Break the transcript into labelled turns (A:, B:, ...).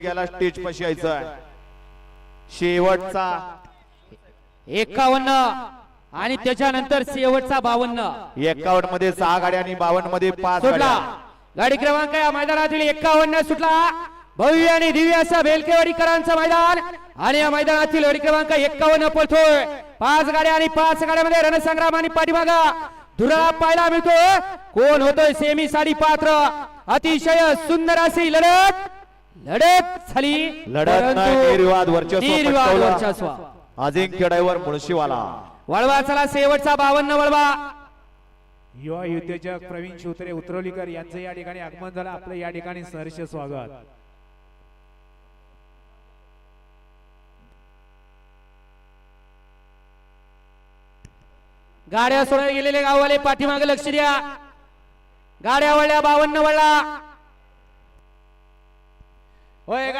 A: गेला स्टेज पाशी यायचं शेवटचा
B: 51 आणि त्याच्यानंतर शेवटचा 52.
A: 51 मध्ये 6 गाड्या आणि 52 मध्ये 5
B: सुटला
A: गाड्या.
B: गाडी क्रमांक या मैदानातील 51 सुटला. भव्य आणि दिव्य असा बेलकेवाडीकरांचं मैदान आणि या मैदानातील गाडी क्रमांक 51 पळतोय. 5 गाड्या आणि 5 गाड्यामध्ये रणसंग्राम आणि पाठीमागा धुरा पाहायला मिळतो. कोण होतोय सेमी साडी पात्र. अतिशय सुंदर अशी लढत झाली.
A: लढत नाही, निर्वाद वर्चस्व. अजिंक्य ड्रायव्हर मुळशीवाला.
B: वळवा चला शेवटचा 52 वळवा.
C: युवा युद्धजक प्रवीण शिवतरे उतरवलीकर यांचं या ठिकाणी आगमन झालं. आपलं या ठिकाणी सहर्ष स्वागत.
B: गाड्या सोडायला गेलेले गाववाले पाठीमागे लक्ष द्या. गाड्या वळल्या 52 वळला.